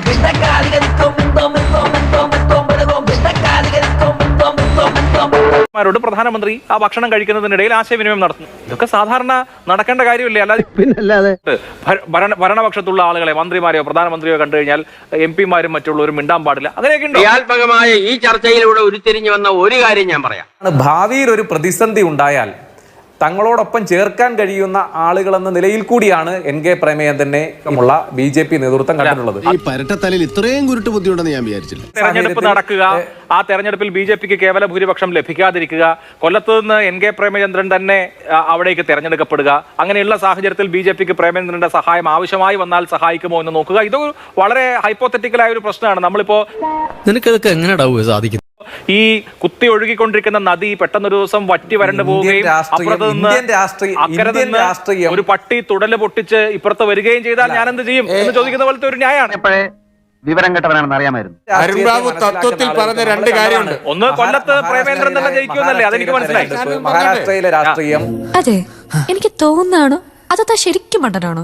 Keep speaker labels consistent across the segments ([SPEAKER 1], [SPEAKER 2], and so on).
[SPEAKER 1] പ്രധാനമന്ത്രി ആ ഭക്ഷണം കഴിക്കുന്നതിനിടയിൽ ആശയവിനിമയം നടത്തുന്നു. ഇതൊക്കെ സാധാരണ നടക്കേണ്ട കാര്യമില്ലേ? അല്ലാതെ ഭരണപക്ഷത്തുള്ള ആളുകളെ, മന്ത്രിമാരെയോ പ്രധാനമന്ത്രിയോ കണ്ടു കഴിഞ്ഞാൽ MP-മാരും മറ്റുള്ളവരും മിണ്ടാൻ പാടില്ല. അങ്ങനെയൊക്കെ
[SPEAKER 2] ക്രിയാത്മകമായ ഈ ചർച്ചയിലൂടെ ഉരുത്തിരിഞ്ഞു വന്ന ഒരു കാര്യം ഞാൻ പറയാം.
[SPEAKER 3] ഭാവിയിൽ ഒരു പ്രതിസന്ധി ഉണ്ടായാൽ തങ്ങളോടൊപ്പം ചേർക്കാൻ കഴിയുന്ന ആളുകളെന്ന നിലയിൽ കൂടിയാണ് NK പ്രേമചന്ദ്രനെ ഉള്ള BJP നേതൃത്വം കണ്ടിട്ടുള്ളത്.
[SPEAKER 4] ഈ പരട്ടത്തലയിൽ ഇത്രയും കുരുട്ട് ബുദ്ധിയുണ്ടെന്ന് ഞാൻ വിചാരിച്ചില്ല.
[SPEAKER 1] തെരഞ്ഞെടുപ്പ് നടക്കുക, ആ തെരഞ്ഞെടുപ്പിൽ BJPക്ക് കേവല ഭൂരിപക്ഷം ലഭിക്കാതിരിക്കുക, കൊല്ലത്ത് നിന്ന് NK പ്രേമചന്ദ്രൻ തന്നെ അവിടേക്ക് തെരഞ്ഞെടുക്കപ്പെടുക, അങ്ങനെയുള്ള സാഹചര്യത്തിൽ BJPക്ക് പ്രേമചന്ദ്രന്റെ സഹായം ആവശ്യമായി വന്നാൽ സഹായിക്കുമോ എന്ന് നോക്കുക. ഇത് വളരെ ഹൈപ്പോത്തറ്റിക്കലായ ഒരു പ്രശ്നമാണ്. നമ്മളിപ്പോ
[SPEAKER 5] നിനക്കതൊക്കെ എങ്ങനെ സാധിക്കും?
[SPEAKER 1] ഈ കുത്തി ഒഴുകിക്കൊണ്ടിരിക്കുന്ന നദി പെട്ടെന്നൊരു ദിവസം വറ്റി വരണ്ടു പോവുകയും അപ്പുറത്ത് നിന്ന് ഒരു പട്ടി തുടല് പൊട്ടിച്ച് ഇപ്പുറത്ത് വരികയും ചെയ്താൽ ഞാൻ എന്ത് ചെയ്യും എന്ന് ചോദിക്കുന്ന പോലത്തെ ഒരു ന്യായമാണ്.
[SPEAKER 2] വിവരം കെട്ടവനാണെന്ന് അറിയാമായിരുന്നു.
[SPEAKER 6] അരുൺബാബു തത്വത്തിൽ പറഞ്ഞ രണ്ട് കാര്യമുണ്ട്.
[SPEAKER 1] ഒന്ന്, കൊല്ലത്ത് പ്രേമേന്ദ്രൻ തന്നെ ജയിക്കുമെന്നല്ലേ, അതെനിക്ക് മനസ്സിലായി.
[SPEAKER 3] മഹാരാഷ്ട്രയിലെ രാഷ്ട്രീയം
[SPEAKER 7] അതെ, എനിക്ക് തോന്നുന്നതാണോ അതോ ശരിക്കും മണ്ടനാണോ?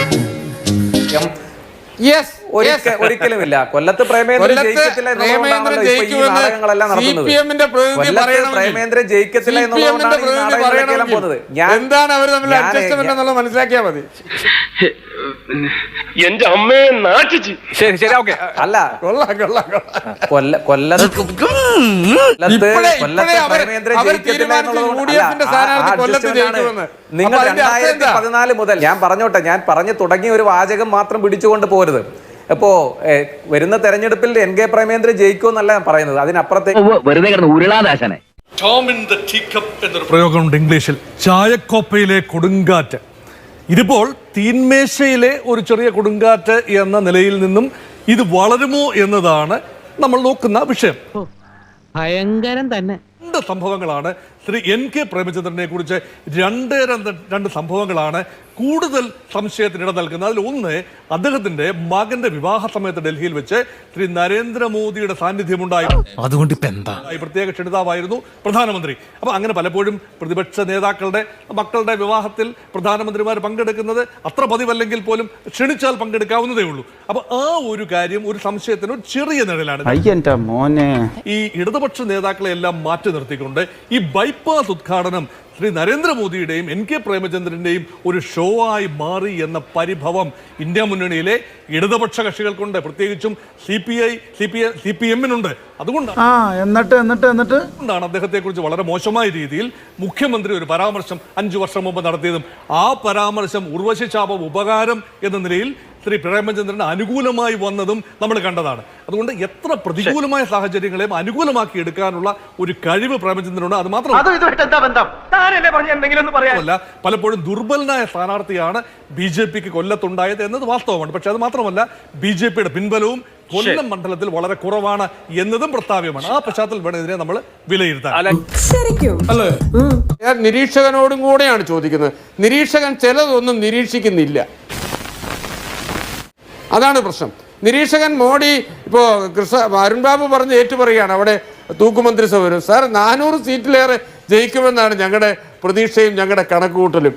[SPEAKER 3] ഒരിക്കലുമില്ല. കൊല്ലത്ത് പ്രേമേന്ദ്രൻ ജയിക്കത്തില്ല എന്നുള്ളതുകൊണ്ടാണല്ലോ ഈ നാടകങ്ങളെല്ലാം നടക്കുന്നത്. പ്രേമേന്ദ്രൻ ജയിക്കത്തില്ല എന്നുള്ളതുകൊണ്ടാണ് ഈ നാടകങ്ങളെല്ലാം പോകുന്നത്.
[SPEAKER 6] എന്താണ് അവർ തമ്മിൽ അഡ്ജസ്റ്റ്മെന്റ് എന്നുള്ളത് മനസ്സിലാക്കിയാൽ മതി.
[SPEAKER 2] എന്റെ അമ്മയെ നാട്ടിച്ച്.
[SPEAKER 1] ശരി ശരി, ഓക്കെ.
[SPEAKER 3] അല്ല, കൊല്ലത്ത് പ്രേമേന്ദ്രൻ ജയിക്കത്തില്ല എന്നുള്ളതുകൊണ്ടാണ് നിങ്ങൾ 2014 മുതൽ ഞാൻ പറഞ്ഞോട്ടെ, ഞാൻ പറഞ്ഞു തുടങ്ങിയ ഒരു വാചകം മാത്രം പിടിച്ചുകൊണ്ട് പോരുത്. ഇപ്പോ വരുന്ന തെരഞ്ഞെടുപ്പിൽ NK പ്രേമേന്ദ്രൻ ജയിക്കുമെന്നല്ല ഞാൻ പറയുന്നത്, അതിനപ്പുറത്തേക്ക്
[SPEAKER 2] വെറുതെ കിടന്ന് ഉരുളാദാശനെ.
[SPEAKER 8] എന്നൊരു പ്രയോഗമുണ്ട് ഇംഗ്ലീഷിൽ, ചായക്കോപ്പയിലെ കൊടുങ്കാറ്റ്. ഇതിപ്പോൾ തീന്മേശയിലെ ഒരു ചെറിയ കൊടുങ്കാറ്റ് എന്ന നിലയിൽ നിന്നും ഇത് വളരുമോ എന്നതാണ് നമ്മൾ നോക്കുന്ന വിഷയം.
[SPEAKER 5] ഭയങ്കരം തന്നെ.
[SPEAKER 8] രണ്ട് സംഭവങ്ങളാണ് ശ്രീ NK പ്രേമചന്ദ്രനെ കുറിച്ച് രണ്ട് സംഭവങ്ങളാണ് കൂടുതൽ സംശയത്തിനിട നൽകുന്നത്. അതിൽ ഒന്ന്, അദ്ദേഹത്തിന്റെ മകന്റെ വിവാഹ സമയത്ത് ഡൽഹിയിൽ വെച്ച് ശ്രീ നരേന്ദ്രമോദിയുടെ സാന്നിധ്യമുണ്ടായി.
[SPEAKER 5] അതുകൊണ്ട് ഇപ്പൊ എന്താ?
[SPEAKER 8] പ്രത്യേക ക്ഷണിതാവായിരുന്നു പ്രധാനമന്ത്രി. അപ്പൊ അങ്ങനെ പലപ്പോഴും പ്രതിപക്ഷ നേതാക്കളുടെ മക്കളുടെ വിവാഹത്തിൽ പ്രധാനമന്ത്രിമാർ പങ്കെടുക്കുന്നത് അത്ര പതിവല്ലെങ്കിൽ പോലും ക്ഷണിച്ചാൽ പങ്കെടുക്കാവുന്നതേ ഉള്ളൂ. അപ്പൊ ആ ഒരു കാര്യം ഒരു സംശയത്തിന് ഒരു ചെറിയ നിഴലാണ്. ഈ ഇടതുപക്ഷ നേതാക്കളെ എല്ലാം മാറ്റി നിർത്തിക്കൊണ്ട് ഈ ബൈപ്പാസ് ഉദ്ഘാടനം ശ്രീ നരേന്ദ്രമോദിയുടെയും NK പ്രേമചന്ദ്രന്റെയും ഒരു ഷോ ആയി മാറി എന്ന പരിഭവം ഇന്ത്യ മുന്നണിയിലെ ഇടതുപക്ഷ കക്ഷികൾക്കുണ്ട്, പ്രത്യേകിച്ചും CPM-നുണ്ട്. അതുകൊണ്ടാണ് അദ്ദേഹത്തെ കുറിച്ച് വളരെ മോശമായ രീതിയിൽ മുഖ്യമന്ത്രി ഒരു പരാമർശം 5 വർഷം മുമ്പ് നടത്തിയതും ആ പരാമർശം ഉർവശി ശാപം ഉപകാരം എന്ന നിലയിൽ ശ്രീ പ്രേമചന്ദ്രന് അനുകൂലമായി വന്നതും നമ്മൾ കണ്ടതാണ്. അതുകൊണ്ട് എത്ര പ്രതികൂലമായ സാഹചര്യങ്ങളെയും അനുകൂലമാക്കി എടുക്കാനുള്ള ഒരു കഴിവ് പ്രേമചന്ദ്രനുണ്ട്. അത് മാത്രമല്ല, പലപ്പോഴും ദുർബലനായ സ്ഥാനാർത്ഥിയാണ് BJPക്ക് കൊല്ലത്തുണ്ടായത് എന്നത് വാസ്തവമാണ്. പക്ഷെ അത് മാത്രമല്ല, BJPയുടെ പിൻബലവും കൊല്ലം മണ്ഡലത്തിൽ വളരെ കുറവാണ് എന്നതും പ്രസ്താവ്യമാണ്. ആ പശ്ചാത്തലത്തിൽ വേണം ഇതിനെ നമ്മൾ വിലയിരുത്താൻ.
[SPEAKER 6] അല്ലേ, ഞാൻ നിരീക്ഷകനോടും കൂടെയാണ് ചോദിക്കുന്നത്. നിരീക്ഷകൻ ചിലതൊന്നും നിരീക്ഷിക്കുന്നില്ല, അതാണ് പ്രശ്നം. നിരീക്ഷകൻ മോഡി ഇപ്പോൾ അരുൺബാബു പറഞ്ഞ് ഏറ്റുപറയുകയാണ്, അവിടെ തൂക്കുമന്ത്രിസഭ വരും. സാർ, 400 സീറ്റിലേറെ ജയിക്കുമെന്നാണ് ഞങ്ങളുടെ പ്രതീക്ഷയും ഞങ്ങളുടെ കണക്കുകൂട്ടലും.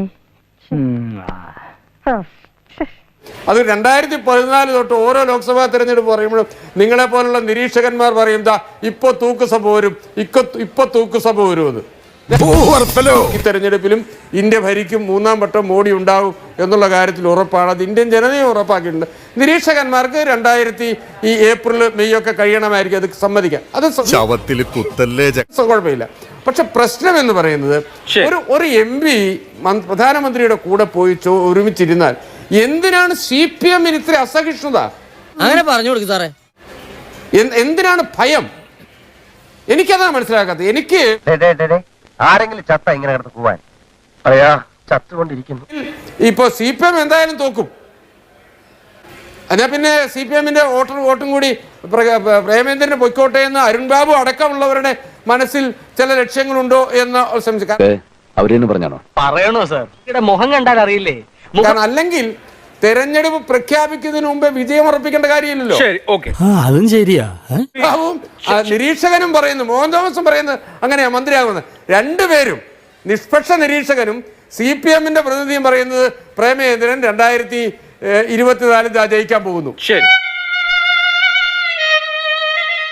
[SPEAKER 6] അത് 2014 തൊട്ട് ഓരോ ലോക്സഭാ തെരഞ്ഞെടുപ്പ് പറയുമ്പോഴും നിങ്ങളെ പോലുള്ള നിരീക്ഷകന്മാർ പറയും, ഇപ്പൊ തൂക്കുസഭ വരും, ഇപ്പൊ തൂക്കുസഭ വരുമെന്ന്. ഈ തെരഞ്ഞെടുപ്പിലും ഇന്ത്യ ഭരിക്കും, 3ാം വട്ടം മോഡി ഉണ്ടാവും എന്നുള്ള കാര്യത്തിൽ ഉറപ്പാണ്. അത് ഇന്ത്യൻ ജനതയെ ഉറപ്പാക്കിയിട്ടുണ്ട്. നിരീക്ഷകന്മാർക്ക് 2000 ഏപ്രിൽ മെയ് ഒക്കെ കഴിയണമായിരിക്കും, അത് സമ്മതിക്കാം, അത് കുഴപ്പമില്ല. പക്ഷെ പ്രശ്നം എന്ന് പറയുന്നത്, ഒരു MP പ്രധാനമന്ത്രിയുടെ കൂടെ പോയി ഒരുമിച്ചിരുന്നാൽ എന്തിനാണ് CPM-ന് ഇത്ര അസഹിഷ്ണുത?
[SPEAKER 5] അങ്ങനെ പറഞ്ഞു കൊടുക്കും സാറേ.
[SPEAKER 6] എന്തിനാണ് ഭയം? എനിക്കതാണ് മനസ്സിലാക്കാത്തത്. എനിക്ക്
[SPEAKER 2] ആരെങ്കിലും ചത്ത ഇങ്ങനെ കിടന്ന് പോവാൻ പറയാ, ചത്തുകൊണ്ടിരിക്കുന്നു.
[SPEAKER 6] ഇപ്പൊ CPM എന്തായാലും തോക്കും. എന്നാ പിന്നെ CPM-ന്റെ വോട്ടും കൂടി പ്രേമേന്ദ്രന് പൊയ്ക്കോട്ടെ എന്ന് അരുൺബാബു അടക്കമുള്ളവരുടെ മനസ്സിൽ ചില ലക്ഷ്യങ്ങളുണ്ടോ എന്ന് സംശയിക്കാം.
[SPEAKER 2] അവരെന്ന് പറഞ്ഞാണോ? പറയണോ സാർ? മുഖം കണ്ടാൽ അറിയില്ലേ?
[SPEAKER 6] കാരണം അല്ലെങ്കിൽ തെരഞ്ഞെടുപ്പ് പ്രഖ്യാപിക്കുന്നതിന് മുമ്പേ വിജയം ഉറപ്പിക്കേണ്ട കാര്യമില്ലല്ലോ.
[SPEAKER 5] അതും ശരിയാ.
[SPEAKER 6] നിരീക്ഷകനും പറയുന്നു, മോഹൻ തോമസും പറയുന്നത് അങ്ങനെയാ മന്ത്രിയാകുന്നത്. രണ്ടുപേരും, നിഷ്പക്ഷ നിരീക്ഷകനും CPM-ന്റെ പ്രതിനിധിയും പറയുന്നത് പ്രേമചന്ദ്രൻ 2024 ജയിക്കാൻ പോകുന്നു.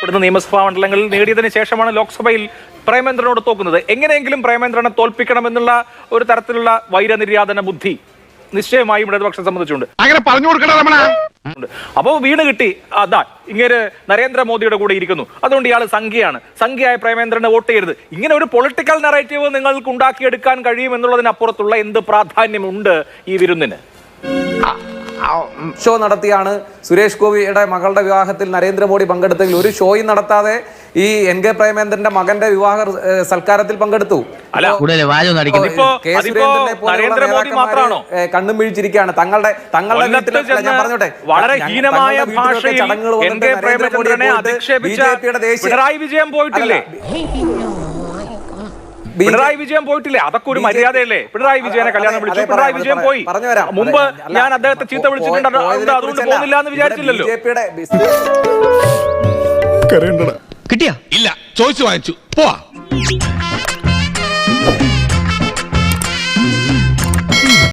[SPEAKER 1] ഇവിടുന്ന് നിയമസഭാ മണ്ഡലങ്ങളിൽ നേടിയതിനു ശേഷമാണ് ലോക്സഭയിൽ പ്രേമേന്ദ്രനോട് തോക്കുന്നത്. എങ്ങനെയെങ്കിലും പ്രേമേന്ദ്രനെ തോൽപ്പിക്കണമെന്നുള്ള ഒരു തരത്തിലുള്ള വൈരനിര്യാതന ബുദ്ധി നിശ്ചയമായും ഇടതുപക്ഷം സംബന്ധിച്ചുണ്ട്.
[SPEAKER 2] അങ്ങനെ പറഞ്ഞു കൊടുക്കണം രമണ.
[SPEAKER 1] അപ്പോ വീണ് കിട്ടി, അതാ ഇങ്ങനെ നരേന്ദ്രമോദിയുടെ കൂടെ ഇരിക്കുന്നു, അതുകൊണ്ട് ഇയാൾ സംഖ്യയാണ്, സംഖ്യയായ പ്രേമേന്ദ്രനെ വോട്ട് ചെയ്യരുത്. ഇങ്ങനെ ഒരു പൊളിറ്റിക്കൽ നറേറ്റീവ് നിങ്ങൾക്ക് ഉണ്ടാക്കിയെടുക്കാൻ കഴിയും എന്നുള്ളതിനപ്പുറത്തുള്ള എന്ത് പ്രാധാന്യമുണ്ട് ഈ വിരുന്നിന്?
[SPEAKER 3] ഷോ നടത്തിയാണ് സുരേഷ് ഗോപിയുടെ മകളുടെ വിവാഹത്തിൽ നരേന്ദ്രമോദി പങ്കെടുത്തെങ്കിൽ ഒരു ഷോയും നടത്താതെ ഈ NK പ്രേമേന്ദ്രന്റെ മകന്റെ വിവാഹ സൽക്കാരത്തിൽ പങ്കെടുത്തു.
[SPEAKER 1] അല്ല, നരേന്ദ്രമോദി മാത്രമാണോ
[SPEAKER 3] കണ്ണും വീഴ്ചിരിക്കുകയാണ് തങ്ങളുടെ വീട്ടിൽ. ഞാൻ പറഞ്ഞോട്ടെ,
[SPEAKER 1] വളരെ ഹീനമായ ഭാഷയിൽ NK പ്രേമചന്ദ്രനെ അധിക്ഷേപിച്ച പിണറായി വിജയൻ പോയിട്ടില്ലേ? പിണറായി വിജയൻ പോയിട്ടില്ലേ? അതൊക്കെ ഒരു മര്യാദയല്ലേ? പിണറായി വിജയനെ കല്യാണം വിളിച്ചു, പിണറായി വിജയൻ പോയി. മുമ്പ് ഞാൻ അദ്ദേഹത്തെ ചീത്ത വിളിച്ചിട്ടുണ്ട്, അതുകൊണ്ട് പോകുന്നില്ല എന്ന് വിചാരിച്ചില്ലല്ലോ.
[SPEAKER 8] കിട്ടിയാ? ഇല്ല, ചോദിച്ചു വാങ്ങിച്ചു. പോവാ.